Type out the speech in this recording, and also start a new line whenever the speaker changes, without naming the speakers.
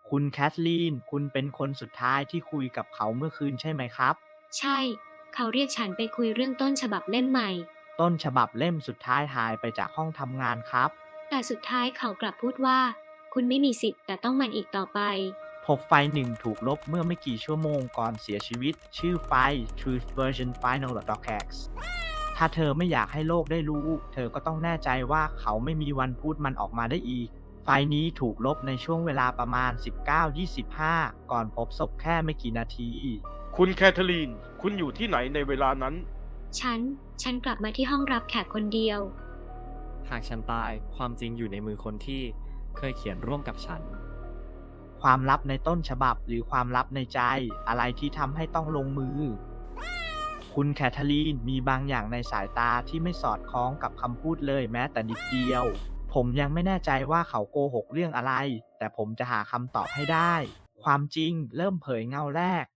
คุณแคทลีนคุณเป็นคนสุดท้ายที่คุยกับเขาเมื่อคืนใช่ไหมครับ
ใช่ เขาเรียกฉันไปคุยเรื่องต้นฉบับเล่มใหม่
ต้นฉบับเล่มสุดท้ายหายไปจากห้องทำงานครับ
แต่สุดท้ายเขากลับพูดว่า คุณไม่มีสิทธิ์แต่ต้องมันอีกต่อไป
พบไฟล์หนึ่งถูกลบเมื่อไม่กี่ชั่วโมงก่อนเสียชีวิต ชื่อไฟล์ Truth Version Final Docx ถ้าเธอไม่อยากให้โลกได้รู้ เธอก็ต้องแน่ใจว่าเขาไม่มีวันพูดมันออกมาได้อีก ไฟล์นี้ถูกลบในช่วงเวลาประมาณ 19:25 ก่อนพบศพแค่ไม่กี่นาที
คุณแคทเธอรีน คุณอยู่ที่ไหนในเวลานั้น
ฉันกลับมาที่ห้องรับแขกคนเดียว
หากฉันตายความจริงอยู่ในมือคนที่เคยเขียนร่วมกับฉัน
ความลับในต้นฉบับหรือความลับในใจอะไรที่ทำให้ต้องลงมือ คุณแคทเธอรีนมีบางอย่างในสายตาที่ไม่สอดคล้องกับคำพูดเลยแม้แต่นิดเดียว ผมยังไม่แน่ใจว่าเขาโกหกเรื่องอะไร แต่ผมจะหาคำตอบให้ได้ ความจริงเริ่มเผยเงาแรก